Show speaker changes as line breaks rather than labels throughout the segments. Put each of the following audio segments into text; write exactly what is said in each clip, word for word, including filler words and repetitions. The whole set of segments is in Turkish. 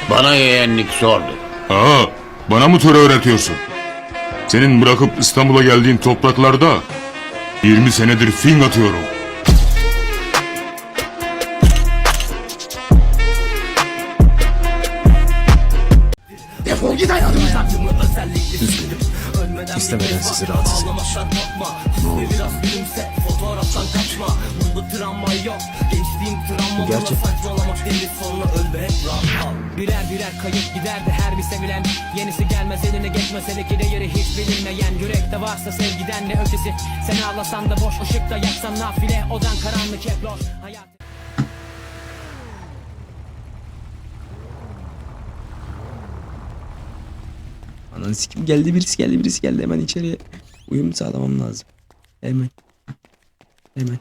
Bana yeğenlik sordu.
Aa, bana mı töre öğretiyorsun? Senin bırakıp İstanbul'a geldiğin topraklarda yirmi senedir fing atıyorum.
Defol git hayatımdan.
İstemeden sizi rahatsız etmiş. Bu gerçek.
Birer birer kayıp giderdi her bir sevilen. Yenisi gelmez eline geçmez hele ki değeri hiç bilinmeyen. Yürekte varsa sevgiden ne ötesi. Seni ağlasan da boş, ışıkta yaksan nafile. Odan karanlık hep loş. Hayat...
Ananı sikim, geldi birisi geldi birisi geldi, hemen içeriye uyum sağlamam lazım. Hemen. Hemen.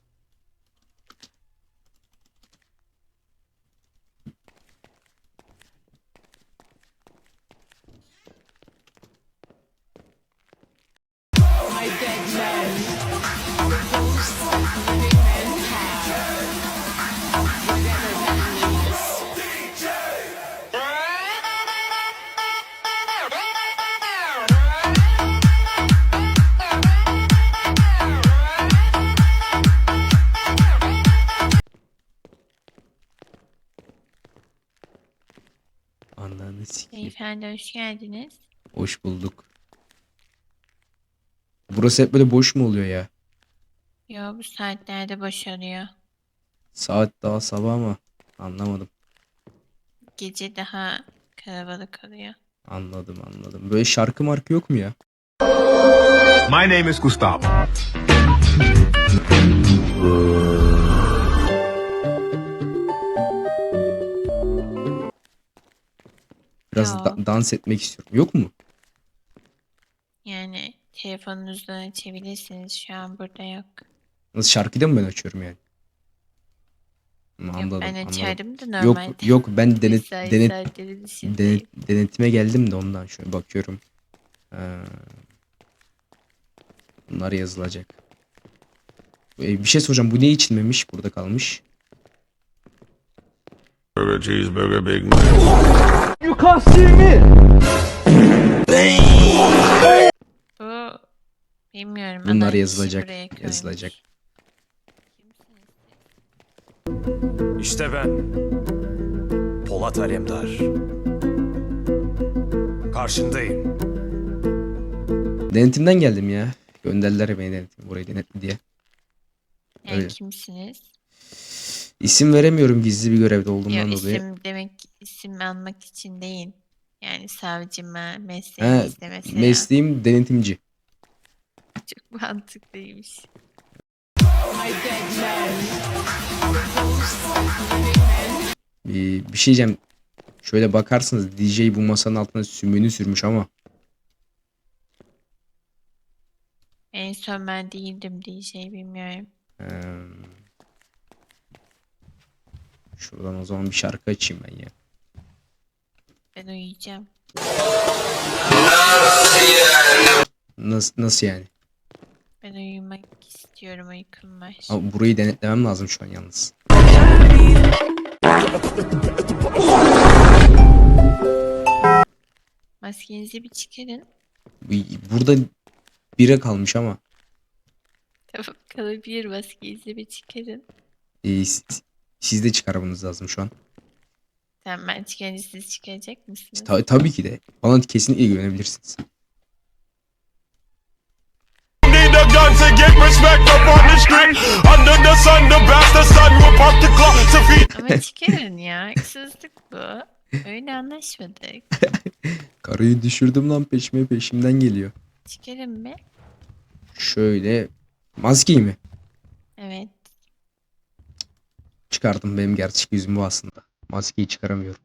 Ananı sikim.
Beyefendi hoş geldiniz.
Hoş bulduk. Burası hep böyle boş mu oluyor ya?
Yo, bu saatlerde boşalıyor.
Saat daha sabah ama anlamadım.
Gece daha kalabalık oluyor.
Anladım anladım. Böyle şarkı markı yok mu ya?
My name is Gustavo.
Biraz
Yo.
da- dans etmek istiyorum. Yok mu?
Yani telefonunuzdan açabilirsiniz. Şu an burada yok.
Nasıl, şarkıyı da mı ben açıyorum yani? Hı,
Yok,
Anladım
ben
anladım.
açardım da
Yok
normalde.
yok, ben denet,
Mesai
denet,
saatleri dışındayım.
denet, denetime geldim de ondan şöyle bakıyorum. Ha. Bunlar yazılacak. Ee, bir şey soracağım. Bu ne içilmemiş? Burada kalmış.
Burger, cheeseburger, Big Mac.
Bu bilmiyorum.
Bunlar
ama
yazılacak.
buraya koymuş.
Yazılacak.
İşte ben. Polat Alemdar. Karşındayım.
Denetimden geldim ya. Gönderdiler beni denetim. Burayı denetli diye.
Yani
Öyle.
kimsiniz?
İsim veremiyorum gizli bir görevde olduğumdan
Yok,
dolayı.
isim demek isim almak için değil. Yani savcıma, mesleğimi
Ha,
istemesine.
mesleğim denetimci.
Çok mantıklıymış.
Bir, bir şey diyeceğim. Şöyle bakarsınız, D J bu masanın altına sümüğünü sürmüş ama.
En son ben değildim D J, bilmiyorum.
Ee, şuradan o zaman bir şarkı açayım ben ya.
Ben uyuyacağım.
Nasıl, nasıl yani?
Ben uyumak istiyorum, uykum var.
Ama burayı denetlemem lazım şu an yalnız.
Maskenizi bir çıkarın.
Bu- Burada bire kalmış ama.
Tamam, kalabilir, maskenizi bir çıkarın.
Ee, siz, siz de çıkarmanız lazım şu an.
Tamam, ben çıkarınca siz çıkaracak mısınız?
Ta- tabii ki de. Bana kesinlikle güvenebilirsiniz.
Need a gun to get respect up on the street. Under the sun, the bastard son will pop the clock to feed.
Ama çıkarın ya, haksızlık bu. Öyle anlaşmadık.
Karıyı düşürdüm lan, peşime peşimden geliyor.
Çıkarın be.
Şöyle maskeyi mi?
Evet.
Çıkardım, benim gerçek yüzüm bu aslında. Maskeyi çıkaramıyorum.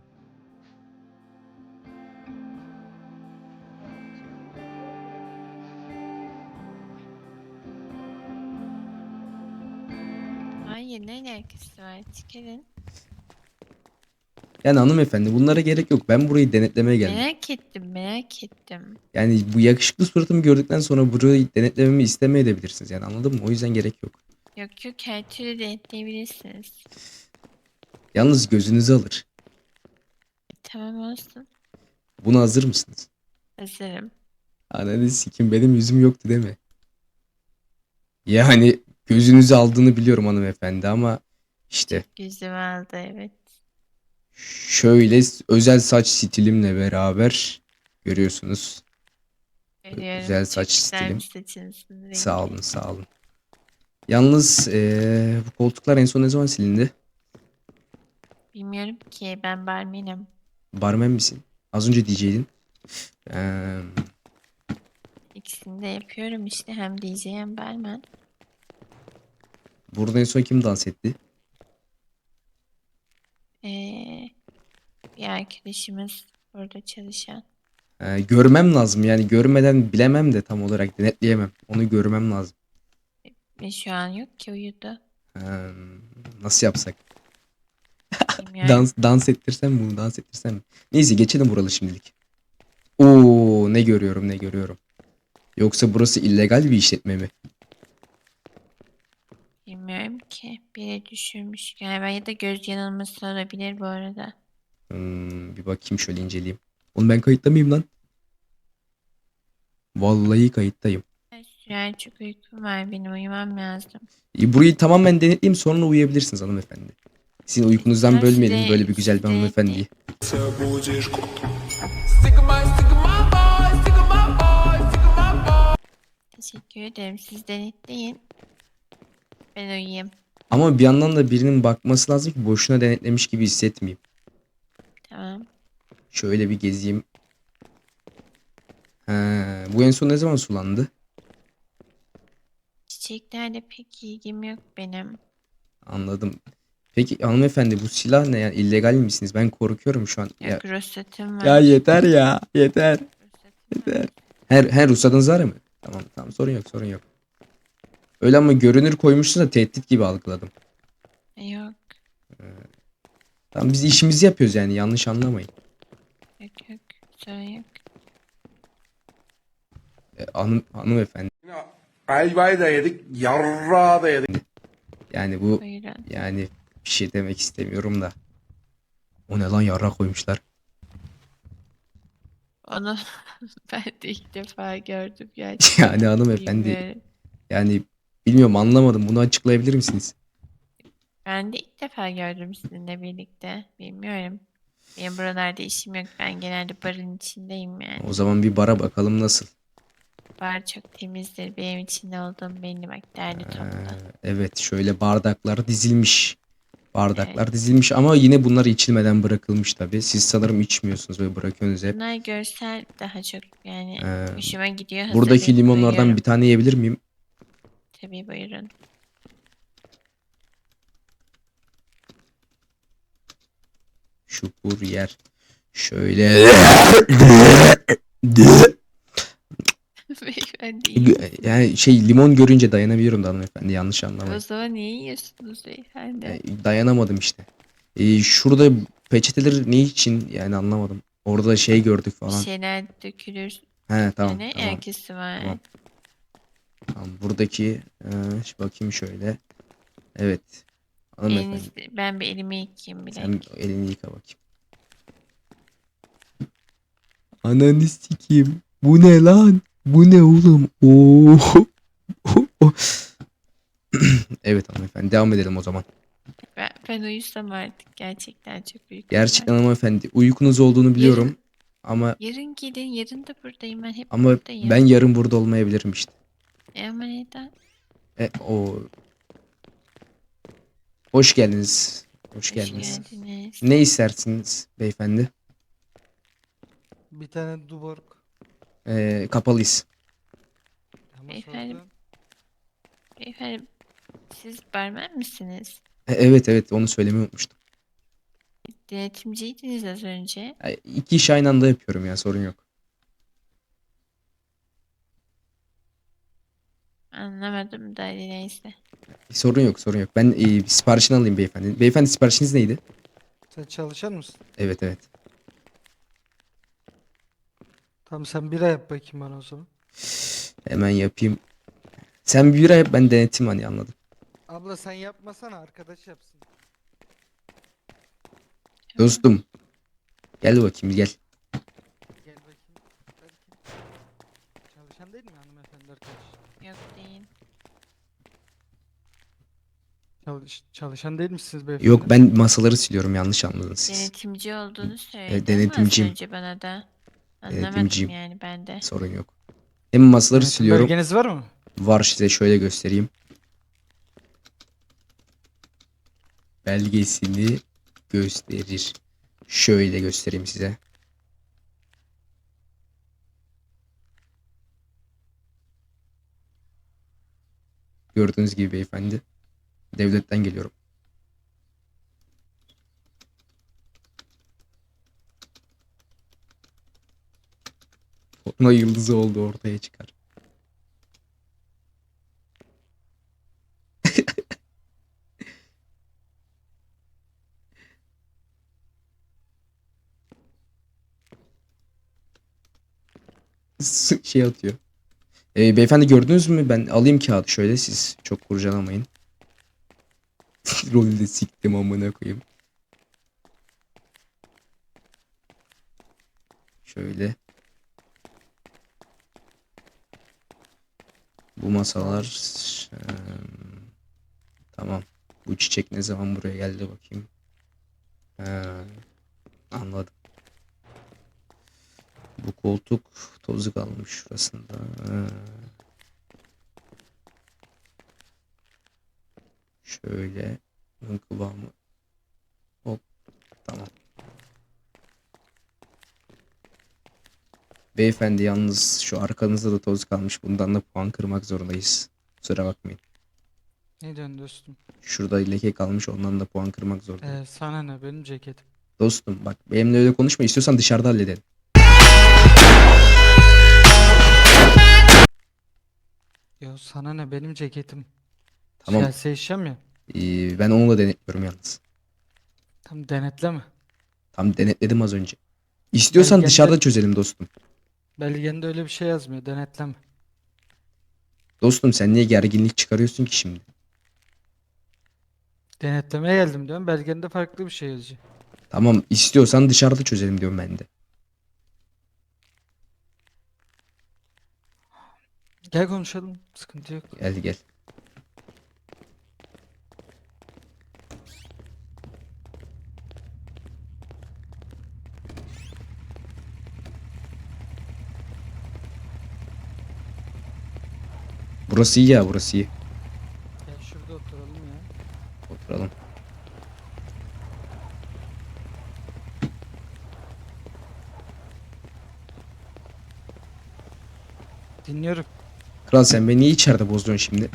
Hayır, ne alakası var? Çıkarın.
Yani hanımefendi, bunlara gerek yok. Ben burayı denetlemeye geldim.
Merak ettim, merak ettim.
Yani bu yakışıklı suratımı gördükten sonra burayı denetlememi istemeyebilirsiniz. Yani anladın mı? O yüzden gerek yok.
Yok yok, her türlü denetleyebilirsiniz.
Yalnız gözünüzü alır.
Tamam olsun.
Buna hazır mısınız?
Hazırım.
Ananı sikim, benim yüzüm yoktu değil mi? Yani gözünüzü aldığını biliyorum hanımefendi ama işte
Yüzüm aldı evet.
şöyle özel saç stilimle beraber görüyorsunuz.
Görüyorum.
Güzel
Çok
saç
güzel bir
stilim.
saçınızın rengi.
Sağ olun, sağ olun. Yalnız eee, bu koltuklar en son ne zaman silindi?
Bilmiyorum ki, ben barmenim.
Barmen misin? Az önce D J'din. Eee,
İkisini de yapıyorum işte, hem D J hem barman.
burada en son kim dans etti?
Ee, bir arkadaşımız burada çalışan.
Eee, görmem lazım, yani görmeden bilemem de tam olarak denetleyemem. Onu görmem lazım.
Ve şu an yok ki, uyudu.
Eee, nasıl yapsak?
Bilmiyorum.
Dans dans ettirsem bunu dans ettirsem mi? Neyse geçelim buralı şimdilik. Oo, ne görüyorum ne görüyorum. Yoksa burası illegal bir işletme mi?
Bilmiyorum ki. Biri düşürmüş galiba, ya da göz yanılması olabilir bu arada.
Hmm, bir bakayım şöyle inceleyeyim. Oğlum ben kayıtta mıyım lan? Vallahi kayıttayım.
Sürer, çok uykum var, benim uyumam lazım.
E, burayı tamamen denetleyeyim, sonra uyuyabilirsiniz hanımefendi. Sizin uykunuzdan
Tamam,
bölmeyelim
size-
böyle bir güzel bir
size
hanımefendiyi.
Teşekkür ederim. Siz denetleyin. Ben uyuyayım.
Ama bir yandan da birinin bakması lazım ki boşuna denetlemiş gibi hissetmeyeyim.
Tamam.
Şöyle bir gezeyim. Ha, bu en son ne zaman sulandı?
Çiçeklerle pek ilgim yok benim.
Anladım. Peki hanımefendi bu silah ne, yani illegal misiniz? Ben korkuyorum şu an. Ya,
Yok, ruhsatım var.
ya yeter ya, yeter.
Ruhsatım var.
Her her ruhsatınız var mı? Tamam tamam, sorun yok sorun yok. Öyle ama görünür koymuşsun da tehdit gibi algıladım.
Yok.
Tamam, biz işimizi yapıyoruz yani, yanlış anlamayın.
Yok yok. Sorun yok.
E, hanım, hanımefendi
Ayvayı da yedik, yarrağı da yedik.
yani bu
Buyurun.
yani bir şey demek istemiyorum da. O ne lan, yara koymuşlar.
Onu ben de ilk defa gördüm gerçekten.
Yani hanımefendi
Bilmiyorum.
yani bilmiyorum, anlamadım, bunu açıklayabilir misiniz?
Ben de ilk defa gördüm sizinle birlikte. Bilmiyorum. Benim buralarda işim yok. Ben genelde barın içindeyim yani.
O zaman bir bara bakalım nasıl.
Bar çok temizdir. Benim içinde olduğum belli, bak, derli
Ee,
toplu.
evet, şöyle bardaklar dizilmiş. Bardaklar dizilmiş ama yine bunlar içilmeden bırakılmış tabii. Siz sanırım içmiyorsunuz ve bırakıyorsunuz hep.
Bunlar görsel daha çok, yani
Ee,
hoşuma gidiyor.
Buradaki
hazırlayıp
limonlardan
koyuyorum.
bir tane yiyebilir miyim?
Tabii, buyurun.
Şu yer. Şöyle.
Beyefendi iyi.
Yani şey, limon görünce dayanabiliyorum da hanımefendi, yanlış
O
anlamayın.
zaman niye yiyorsunuz beyefendi?
Yani dayanamadım işte. Ee, şurada peçeteler ne için yani, anlamadım. Orada şey gördük
Bir
falan.
şeyler dökülür.
He tamam
Yani
tamam.
herkesi var.
Tamam. Tamam, buradaki e, şu bakayım şöyle. Evet. Hanımefendi
Eliniz, ben bir elimi yıkayayım bile.
sen elini yıka bakayım. Ananı sikeyim. Bu ne lan? Bu ne oğlum? Oo. Evet hanımefendi, devam edelim o zaman.
Ben, ben uyusam artık, gerçekten çok uykum
Gerçekten
var.
hanımefendi uykunuz olduğunu biliyorum
Yarın-
ama
Yarın gelin, yarın da buradayım, ben hep
ama
buradayım.
ben yarın burada olmayabilirim işte.
E ama neden?
E, o Hoş geldiniz. Hoş
Hoş
geldiniz.
geldiniz.
Ne istersiniz beyefendi?
Bir tane Duborg.
Ee, kapalıyız.
Ama
Beyefendi-
sordum.
Beyefendi, siz barmen misiniz?
E, evet evet, onu söylemeyi unutmuştum.
Denetimciydiniz az önce.
E, iki iş aynı anda yapıyorum ya, sorun yok.
Anlamadım da, hadi neyse.
Sorun yok sorun yok. Ben e, siparişini alayım beyefendi. Beyefendi siparişiniz neydi?
Sen çalışan mısın?
Evet evet.
Tamam, sen bira yap bakayım bana o zaman.
Hemen yapayım. Sen bir bira yap, ben denetim, hani anladım.
Abla sen yapmasana, arkadaş yapsın.
Dostum. Gel bakayım gel.
Gel bakayım. Belki. Çalışan değil mi hanımefendi arkadaş?
Yok değil.
Çalış, çalışan değil misiniz beyefendi?
Yok ben masaları siliyorum, yanlış anladınız siz.
Denetimci olduğunu söyledin mi
denetimciyim.
az önce bana da? Anlamadım
Denetimciyim.
yani ben de.
Sorun yok. Hem masaları
Denetim
siliyorum.
belgeniz var mı?
Var, size şöyle göstereyim. Belgesini gösterir. Şöyle göstereyim size. Gördüğünüz gibi beyefendi. Devletten geliyorum. Ona yıldızı oldu, ortaya çıkar. Şey atıyor. Ee, beyefendi gördünüz mü? Ben alayım kağıdı şöyle, siz çok kurcalamayın. Rolü de siktim amına koyayım. Şöyle. Bu masalar eee, tamam. Bu çiçek ne zaman buraya geldi bakayım. He, anladım. Bu koltuk tozu kalmış şurasında. He. Şöyle bunun kıvamı. Hop, tamam. Beyefendi yalnız şu arkanızda da toz kalmış. Bundan da puan kırmak zorundayız. Kusura bakmayın.
Ne diyorsun dostum?
Şurada leke kalmış, ondan da puan kırmak zorundayım.
Ee, sana ne, benim ceketim.
Dostum bak, benimle öyle konuşma, istiyorsan dışarıda halledelim.
Ya sana ne, benim ceketim.
Tamam.
Siyasi eşyam ya.
Ee, ben onu da denetliyorum yalnız.
Tam denetleme.
Tam denetledim az önce. İstiyorsan
Belgende-
dışarıda çözelim dostum.
Belgende öyle bir şey yazmıyor, denetleme.
Dostum sen niye gerginlik çıkarıyorsun ki şimdi?
Denetlemeye geldim diyorum, belgende farklı bir şey yazıyor.
Tamam, istiyorsan dışarıda çözelim diyorum ben de.
Gel konuşalım, sıkıntı yok.
Gel gel. Burası iyi ya, burası iyi.
Gel şurada oturalım ya.
Oturalım.
Dinliyorum.
Kral sen beni niye içeride bozuyorsun şimdi?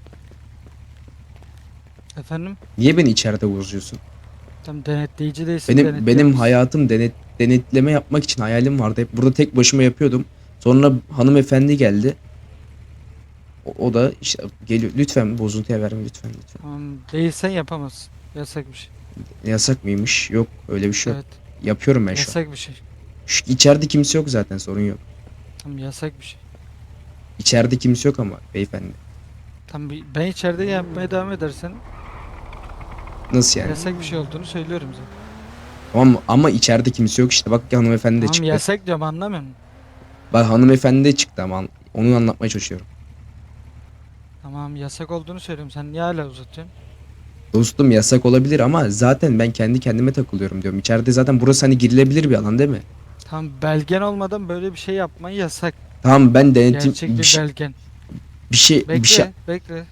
Efendim?
Niye beni içeride bozuyorsun?
Tam denetleyici değilsin,
Benim
denetliyor
benim
musun?
hayatım denet denetleme yapmak için hayalim vardı. Hep burada tek başıma yapıyordum. Sonra hanımefendi geldi. O, o da işte geliyor. Lütfen bozuntuya verme, lütfen lütfen.
Tamam, değilsen yapamazsın. Yasak bir şey.
Yasak mıymış? Yok, öyle bir şey yok.
Evet.
Yapıyorum ben şu an.
Yasak bir şey.
Şu, içeride kimse yok zaten, sorun yok.
Tam yasak bir şey.
İçeride kimse yok ama beyefendi.
Tam bir- ben içeride yapmaya devam edersen
Nasıl yani?
yasak bir şey olduğunu söylüyorum zaten.
Tamam ama içeride kimse yok işte. Bak hanımefendi de
Tamam
çıktı.
yasak diyorum, anlamıyor musun?
Bak hanımefendi de çıktı ama onu anlatmaya çalışıyorum.
Tamam yasak olduğunu söylüyorum. Sen niye hala uzatıyorsun?
Dostum yasak olabilir ama zaten ben kendi kendime takılıyorum diyorum. İçeride zaten burası hani girilebilir bir alan değil mi?
Tamam, belgen olmadan böyle bir şey yapman yasak.
Tamam ben denetim
Gerçek
bir,
bir
şey-
belgen.
bir şey
Bekle,
bir şey
bekle.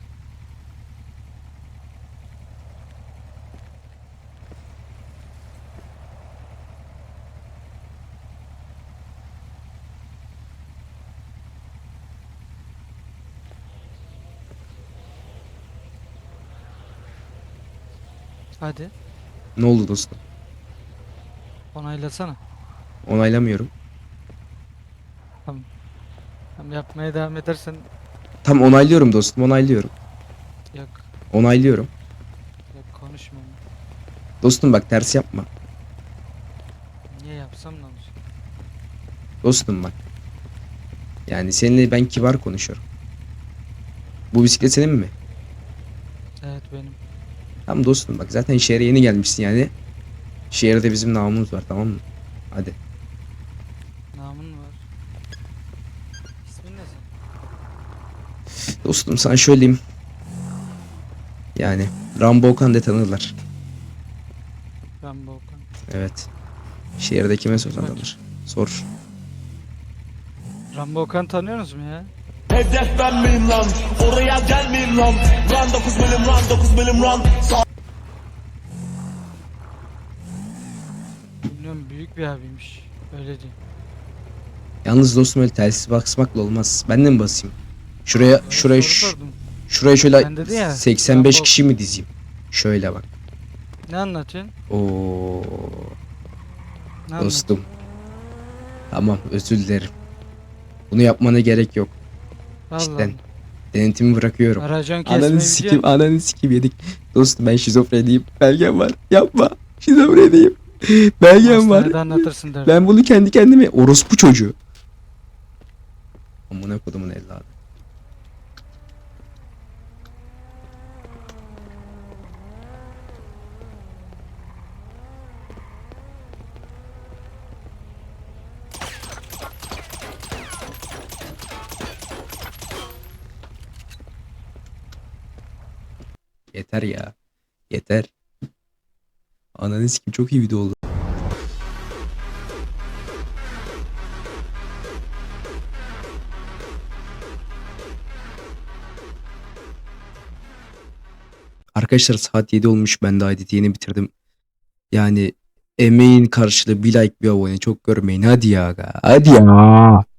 Hadi
ne oldu dostum?
onaylasana.
Onaylamıyorum.
Tam yapmaya devam edersen
Tam onaylıyorum dostum, onaylıyorum.
yok,
Onaylıyorum.
yok konuşma.
Dostum bak ters yapma.
Niye yapsam ne olacak?
Dostum bak. Yani seninle ben kibar konuşuyorum. Bu bisiklet senin mi?
Evet benim.
Tamam dostum bak, zaten şehre yeni gelmişsin yani. Şehirde bizim namımız var, tamam mı? Hadi.
Namın var. İsmin ne senin?
Dostum sana söyleyeyim. Yani Rambo Okan de tanırlar.
Ben Volkan.
Evet. Şehirde kime sorsan tanır. Sor.
Rambo Okan tanıyorsunuz mu ya?
Hedef ben miyim lan? Oraya gelmeyeyim lan. Run dokuz milim run dokuz milim run.
Bilmiyorum, büyük bir abiymiş. Öyle diyeyim.
Yalnız dostum öyle telsiz basmakla olmaz. Ben de mi basayım? Şuraya
Öyle
şuraya
soru
ş-
sordum.
şuraya şöyle
Ben dedi ya,
seksen beş
Rambo-
kişi mi dizeyim? Şöyle bak.
Ne anlatıyorsun?
Oo
Ne
dostum. Tamam özür dilerim. Bunu yapmana gerek yok.
anlatıyorsun?
cidden. Denetimi bırakıyorum.
Allah. Racon kesmeyi
Ananı sikim,
biliyorsun.
ananı sikim yedik. Dostum ben şizofreniyim. Belgem var. Yapma. Şizofreniyim. Belgem var.
Hastanede anlatırsın derdim.
Ben bunu kendi kendime orospu çocuğu. Amına kodumun evladı. Yeter ya. Yeter. Ananı sikim çok iyi video oldu. Arkadaşlar saat yedi olmuş. Ben daha editi yeni bitirdim. Yani emeğin karşılığı bir like bir abone çok görmeyin. Hadi ya. Hadi ya.